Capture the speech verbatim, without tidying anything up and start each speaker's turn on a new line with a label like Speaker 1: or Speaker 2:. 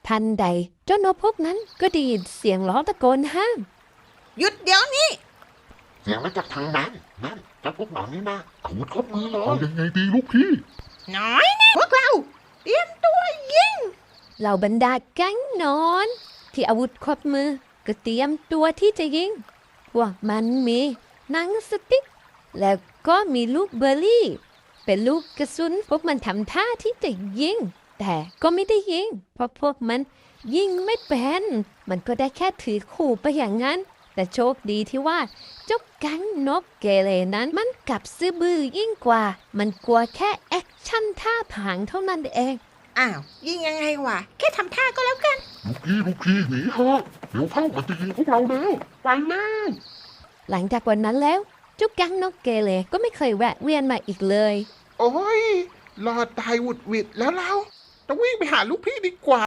Speaker 1: ทันใดเจ้านกพวกนั้นก็ได้ยินเสียงร้องตะโกนห้าม
Speaker 2: หยุดเดี๋ยวนี้
Speaker 3: เสียงมาจากทางนั้นนั่นเจ้าพวกหนอนนี่นะอาวุธครบมือเลยเอายังไงดีลูกพี่
Speaker 2: น้อยนะพวกเราเตรียมตัวยิง
Speaker 1: เหล่าบรรดาแก๊งนอนที่อาวุธครบมือก็เตรียมตัวที่จะยิงพวกมันมีหนังสติ๊กแล้วก็มีลูกเบอร์รี่เป็นลูกกระสุนพวกมันทำท่าที่จะยิงแต่ก็ไม่ได้ยิงเพราะพวกมันยิงไม่เป็นมันก็ได้แค่ถือขู่ไปอย่างนั้นแต่โชคดีที่ว่าเจ้าแก๊งนกเกเรนั้นมันกลับซื่อบื้อยิ่งกว่ามันกลัวแค่แอคชั่นท่าผางเท่านั้นเอง
Speaker 2: อ้าวยิงยังไงวะแค่ทำท่าก็แล้วกัน
Speaker 3: ลูกพี่ลูกพี่หนีเถอะเดี๋ยวเข้ามันจะยิงพวกเราแล้วไปแล้ว
Speaker 1: หลังจากวันนั้นแล้วเจ้าแก๊งนกเกเรก็ไม่เคยแวะเวียนมาอีกเลย
Speaker 4: โอ้ยรอดตายหวุดหวิดแล้วเราต้องวิ่งไปหาลูกพี่ดีกว่า